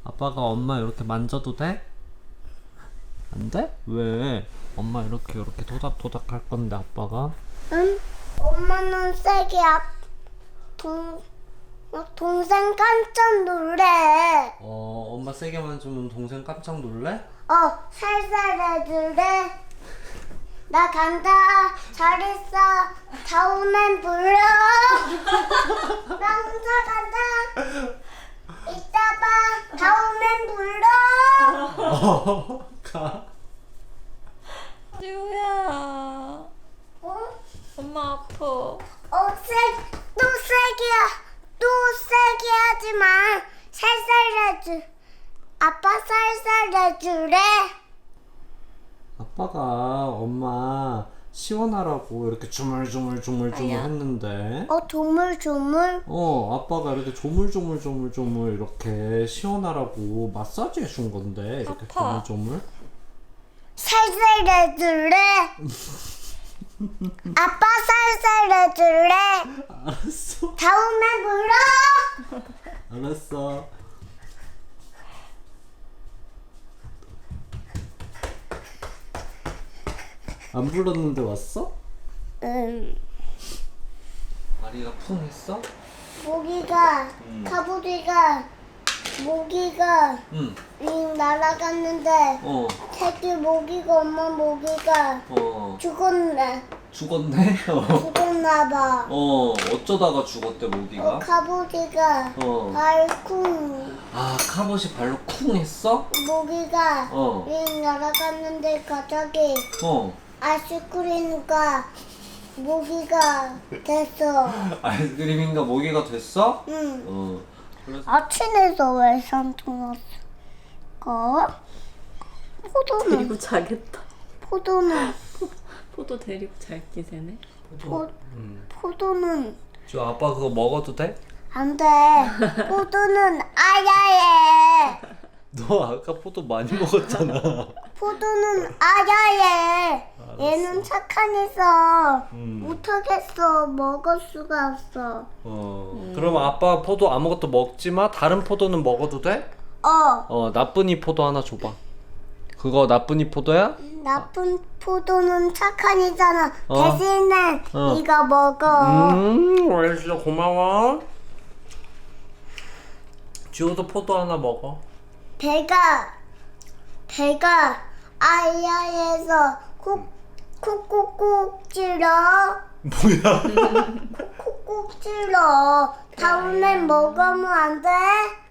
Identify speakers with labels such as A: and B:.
A: 아빠가 엄마 이렇게 만져도 돼? 안 돼? 왜? 엄마 이렇게 토닥토닥 할 건데 아빠가?
B: 응? 엄마는 세게 동생 깜짝 놀래.
A: 엄마 세게 만지면 동생 깜짝 놀래?
B: 살살 해줄래? 나 간다. 잘 있어. 다음엔 불러. 나 혼자 간다. 이따 봐. 다음엔 불러.
A: 가.
C: 지우야,
B: 어?
C: 엄마 아파.
B: 또 세게 하지 마. 살살 해줄. 아빠 살살 해줄래?
A: 아빠가 엄마 시원하라고 이렇게 조물조물
C: 아야.
A: 했는데
B: 조물.
A: 아빠가 이렇게 조물 이렇게 시원하라고 마사지 해준 건데 이렇게
C: 아파.
A: 조물
B: 살살 해줄래? 아빠 살살 해줄래?
A: 알았어
B: 다음에 불러.
A: 알았어 안 불렀는데 왔어?
B: 응.
A: 아리가 쿵 했어?
B: 모기가 모기가
A: 응
B: 날아갔는데
A: 어.
B: 새끼 모기가 엄마 모기가 죽었네.
A: 죽었네?
B: 죽었나봐.
A: 어쩌다가 죽었대 모기가?
B: 갑오지가
A: 어.
B: 발쿵
A: 아 카봇이 발로 쿵 했어?
B: 모기가
A: 어.
B: 날아갔는데 갑자기
A: 어
B: 아이스크림과 모기가 됐어.
A: 아이스크림인가 모기가 됐어?
B: 응.
A: 그래서
B: 아침에서 왜 산토났을까?
C: 데리고 자겠다.
B: 포도는
C: 포도 데리고 잘기 세네.
B: 포도는
A: 저 아빠 그거 먹어도 돼?
B: 안 돼. 포도는 아야해.
A: 너 아까 포도 많이 먹었잖아
B: 포도는 아야해. 얘는 착한 애서 못하겠어. 먹을 수가 없어.
A: 그럼 아빠 포도 아무것도 먹지 마? 다른 포도는 먹어도 돼? 나쁜이 포도 하나 줘봐 그거 나쁜이 포도야?
B: 나쁜 포도는 착한 애잖아. 대신에
A: 어.
B: 이거 먹어.
A: 알겠어 고마워 지호도 포도 하나 먹어
B: 배가 아야에서 콕콕콕 찔러.
A: 뭐야?
B: 콕콕 찔러. 다음엔 먹으면 안 돼?